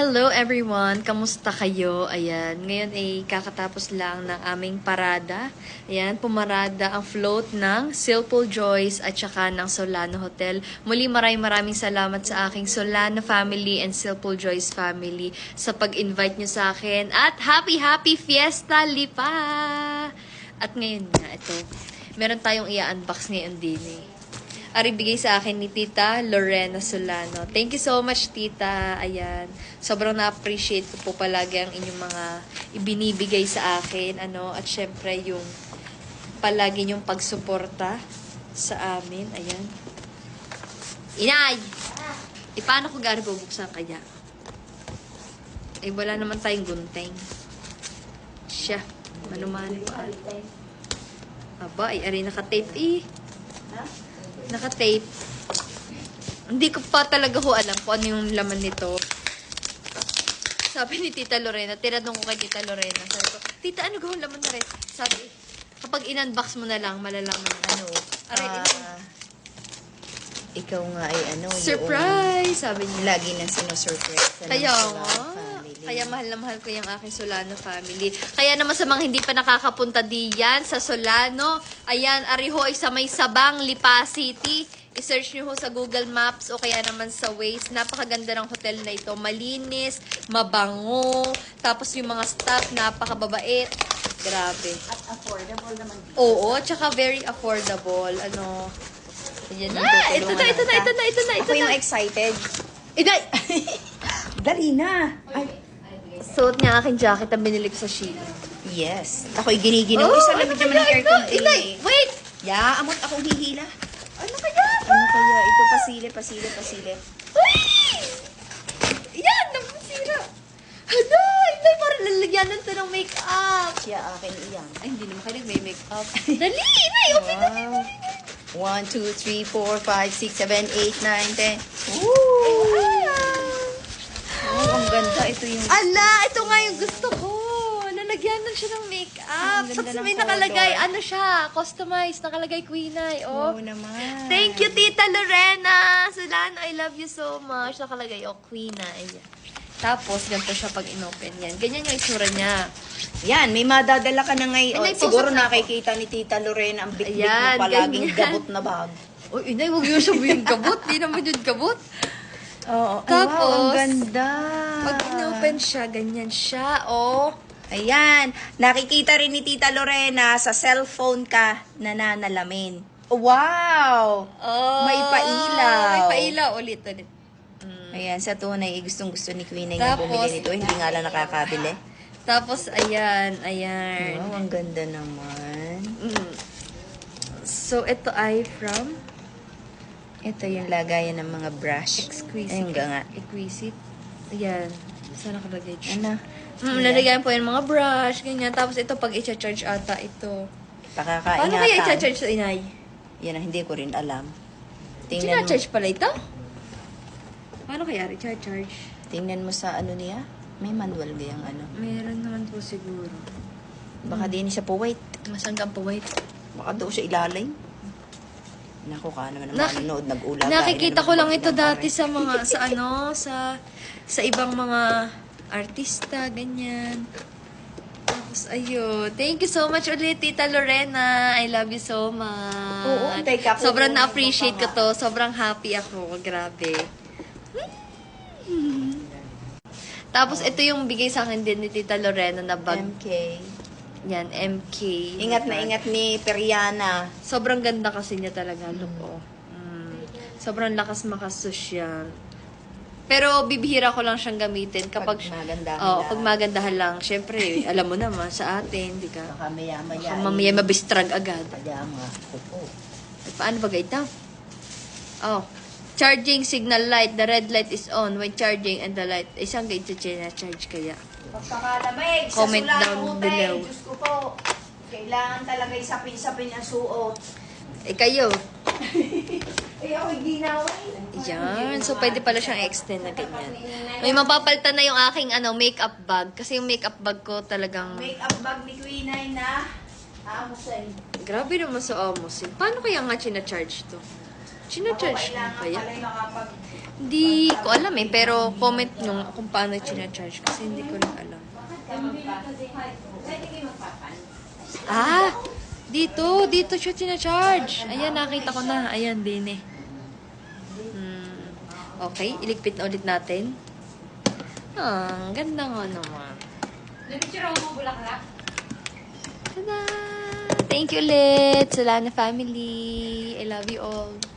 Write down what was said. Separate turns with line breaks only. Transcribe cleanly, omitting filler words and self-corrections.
Hello everyone! Kamusta kayo? Ayan, ngayon ay kakatapos lang ng aming parada. Ayan, pumarada ang float ng Silpul Joyce at saka ng Solano Hotel. Muli maraming salamat sa aking Solano family and Silpul Joyce family sa pag-invite nyo sa akin. At happy Fiesta Lipa! At ngayon nga, ito, meron tayong i-unbox ngayon din eh. Ari bigay sa akin ni Tita Lorena Solano. Thank you so much, Tita. Ayan. Sobrang na-appreciate ko po palagi ang inyong mga ibinibigay sa akin. At syempre yung palagi yung pagsuporta sa amin. Ayan. Inay! Paano ko gano'n bubuksan kaya? Wala naman tayong gunting. Siya. Manumani pa. Aba, ari naka-tape eh. Naka-tape. Hindi ko pa talaga alam kung ano yung laman nito. Sabi ni Tita Lorena, tinanong ko kay Tita Lorena, sabi ko, Tita, ano gawin laman na rin? Sabi, kapag in-unbox mo na lang, malalaman ano.
Ikaw nga ay
surprise! Sabi niya.
Lagi nang sinusurprise.
Kaya nga. Kaya mahal na mahal ko yung aking Solano family. Kaya naman sa mga hindi pa nakakapunta diyan sa Solano, ayan, ariho ay sa may Sabang, Lipa City. I-search nyo ho sa Google Maps o kaya naman sa Waze. Napakaganda ng hotel na ito. Malinis, mabango, tapos yung mga staff, napakababait. Grabe.
At affordable naman.
Oo, tsaka very affordable. Ayan, ito na.
Ako yung excited. Dali na. Ay.
Suot niya aking jacket na binili ko sa Shein.
Yes. Ako'y giniginaw. Isa lang naman ng aircon.
Wait!
Ya, amot akong hihila.
Ano kaya?
Ano kaya? Ito, pasile.
Uy! Yan! Namasira! Inay, parang lalagyanan to ng make-up.
Siya akin iyan.
Ay, hindi naman kayo may make-up. Dali! Inay! Okay, dali!
1, 2, 3, 4, 5, 6, 7, 8, 9, 10. Ang ganda. Ito yung...
Ala! Ito nga yung gusto ko. Nalagyanan siya ng make-up. Tapos may nakalagay, siya, customized. Nakalagay Queenay.
Oo naman.
Thank you, Tita Lorena. Solano, I love you so much. Nakalagay, Queenay. Tapos, ganito siya pag inopen yan. Ganyan yung itsura niya.
Yan, may madadala ka na ngayon.
Inay,
Siguro
posok na
nakikita ni Tita Lorena ang bitbit
Ayan,
mo palaging
ganyan.
gabot na bag.
Uy, Inay, huwag yung sabihin kabot. Di naman yun kabot.
Oo.
Tapos,
wow, ang ganda.
Pag inopen siya, ganyan siya,
Ayan, nakikita rin ni Tita Lorena sa cellphone ka nananalamin. Wow! May pailaw.
May pailaw. Ulit.
Ayan, sa tunay, gustong-gusto ni Queen na
Tapos,
bumili nito. Hindi nga lang nakakabili.
Tapos, ayan.
Wow, ang ganda naman.
So, ito ay from
Ito yung lagayan ng mga brush.
Exquisite.
Ayun nga.
Exquisite. Ayan. Saan nakalagay siya?
Ano?
Lalagyan po yung mga brush, ganyan. Tapos ito, pag i-charge ata ito.
Pakakaingatan.
Paano kaya i-charge sa Inay?
Yan ang hindi ko rin alam.
Charge pala ito? Paano kaya i-charge?
Tingnan mo sa niya. May manual gayang
Meron naman po siguro.
Baka din siya po wait.
Masanggang po, wait.
Baka daw siya ilalim. Naku ka naman manonood nag-ulaga.
Nakikita ko lang ito dati sa mga, sa ibang mga artista, ganyan. Tapos, ayun. Thank you so much ulit, Tita Lorena. I love you so much.
Oo, teka po.
Sobrang na-appreciate ko to. Sobrang happy ako. Grabe. Tapos, ito yung bigay sa akin din ni Tita Lorena na bag.
MK.
Yan, MK.
Ingat na ingat ni Periana.
Sobrang ganda kasi niya talaga. Look, sobrang lakas makasosyal. Pero bibihira ko lang siyang gamitin kapag
magandahan
pag magandahan lang. Syempre, alam mo naman sa atin, di ka.
Baka maya-maya.
Mamaya mabistrag agad.
Kaya nga. Oo.
Paano ba ito? Charging signal light. The red light is on when charging and the light. Isang ganito charge kaya.
Pagpakalamig sa
Comment
Solano
down
Hotel.
below.
Diyos ko po. Kailangan talaga isapin-sapin ang suot.
Kayo.
Ako'y ginawin.
Yan. So, pwede pala siyang extend na ganyan. May mapapalitan na yung aking makeup bag. Kasi yung makeup bag ko talagang...
Make-up bag ni Queen ay na Amosin.
Grabe naman sa Amosin. Paano kaya nga charge to? China-charge mo kaya? Hindi ko alam eh, pero comment nyo kung paano china-charge kasi hindi ko rin alam. Ah! Dito siya china-charge. Ayan, nakita ko na. Ayan, din eh. Okay, iligpit na ulit natin. Ang ganda nga naman. Tada! Thank you ulit, Solana family. I love you all.